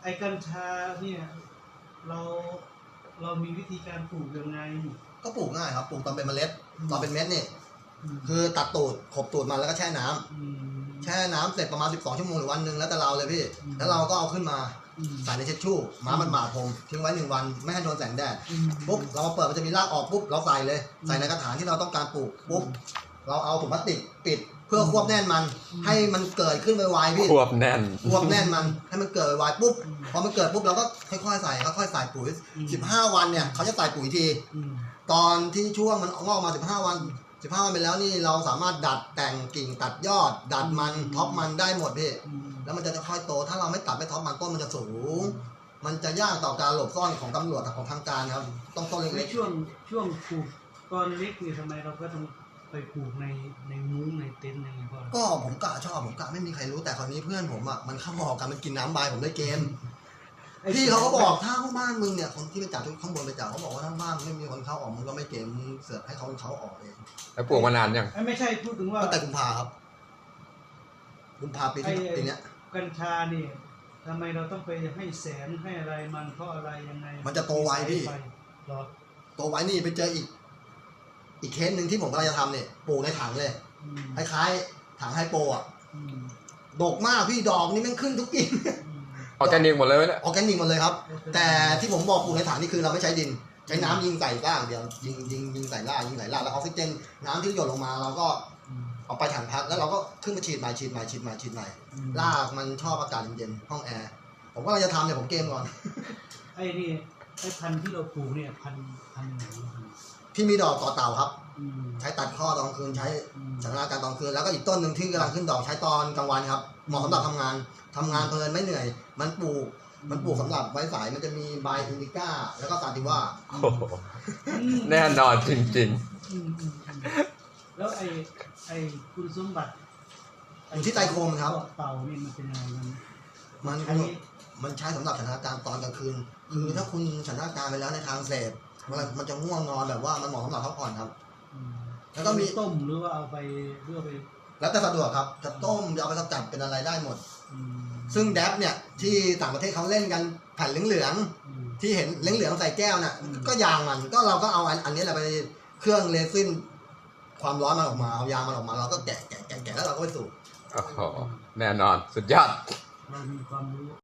ไอ้กัญชาเนี่ยเราเรามีวิธีการปลูกยังไงก็ปลูกง่ายครับปลูกตอนเป็นเมล็ดตอนเป็นเม็ดนี่คือตัดตูดขบตูดมันแล้วก็แช่น้ำแช่น้ำเสร็จประมาณ12 ชั่วโมงหรือวันหนึ่งแล้วแต่เราเลยพี่แล้วเราก็เอาขึ้นมาใส่ในเช็ดชู่ม้ามันหมาดผมทิ้งไว้1 วันไม่ให้โดนแสงแดดปุ๊บเรามาเปิดมันจะมีรากออกปุ๊บเราใส่เลยใส่ในกระถางที่เราต้องการปลูกปุ๊บเราเอาถุงพลาสติกปิดเพื่อควบแน่นมันให้มันเกิดขึ้นไวๆพี่ควบแน่นมันให้มันเกิดไวๆปุ๊บพอมันเกิดปุ๊บเราก็ค่อยๆใส่ปุ๋ย15 วันเนี่ยเขาจะใส่ปุ๋ยทีตอนที่ช่วงมันงอกมา15 วันไปแล้วนี่เราสามารถดัดแต่งกิ่งตัดยอดดัดมันท็อปมันได้หมดพี่แล้วมันจะค่อยโตถ้าเราไม่ตัดไม่ท็อปมันต้นมันจะสูงมันจะยากต่อการหลบซ่อนของตำรวจของทางการครับต้องต้นเล็กๆช่วงปลูกตอนเล็กนี่ทำไมเราก็ต้องไปปลูกในมุ้งในเต็นท์ยังไงพ่อก็ผมกะไม่มีใครรู้แต่คราวนี้เพื่อนผมอ่ะมันเข้าหอกันมันกินน้ำบายผมได้เกมพี่เขาก็บอกถ้าบ้านมึงเนี่ยคนที่ไปจับข้างบนไปจับเขาบอกว่าถ้าบ้านไม่มีคนเข้าออกมึงก็ไม่เกมเสือกให้เขาออกเองแล้วปลูกมานานยังไม่ใช่พูดถึงว่าตั้งแต่กุมภาครับกุมภาปีนี้กัญชาเนี่ยทำไมเราต้องไปให้แสงให้อะไรมันเพราะอะไรยังไงมันจะโตไวพี่โตไวนี่ไปเจออีกเคสหนึ่งที่ผมกำลังจะทำเนี่ยปลูกในถังเลยคล้ายๆถังไฮโปอ่ะดกมากพี่ดอกนี่มันขึ้นทุกกิ่งออร์แกนิกหมดเลยเนี่ยออร์แกนิกหมดเลยครับแต่ที่ผมบอกปลูกในถังนี่คือเราไม่ใช้ดินใช้น้ำยิงใส่ล่างเดียวยิงใส่ล่างแล้วออกซิเจนน้ำที่หยดลงมาเราก็เอาไปถังพักแล้วเราก็ขึ้นมาฉีดใหม่รากมันชอบอากาศเย็นๆห้องแอร์ผมก็เราจะทำเนี่ยผมเกมก่อนไอ้นี่ไอ้พันธุ์ที่เราปลูกเนี่ยพันธุ์ไหนที่มีดอกต่อเต่าครับใช้ตัดข้อตอนกลางคืนใช้สถานการณ์ตอนคืนแล้วก็อีกต้นหนึ่งที่กำลังขึ้นดอกใช้ตอนกลางวันครับเหมาะสำหรับทำงานเพลินไม่เหนื่อยมันปลูกสำหรับไว้สายมันจะมีใบอินดิก้าแล้วก็ซาติว่าแน่นอนจริงๆแล้วไอ้คุณสมบัติอยู่ที่ไตโคมครับเต่านี่มันเป็นยังไงมันใช้สำหรับสถานการณ์ตอนกลางคืนคือถ้าคุณสถานการณ์ไปแล้วในทางเสพมันจะง่วงนอนแบบว่ามันเหมาะสำหรับพักผ่อนครับแล้วก็มีต้มหรือว่าเอาไปเพื่อไปแล้วแต่สะดวกครับจะต้มจะเอาไปสกัดเป็นอะไรได้หมดซึ่งแดบเนี่ยที่ต่างประเทศเขาเล่นกันแผ่นเหลืองๆที่เห็นเหลืองๆใส่แก้วน่ะก็ยางมันก็เราก็เอาอันนี้แหละไปเครื่องเรซินความร้อนมันออกมาเอายางมันออกมาเราก็แกะแล้วเราก็ไปสูบโอ้โหแน่นอนสุดยอดเรามีความรู้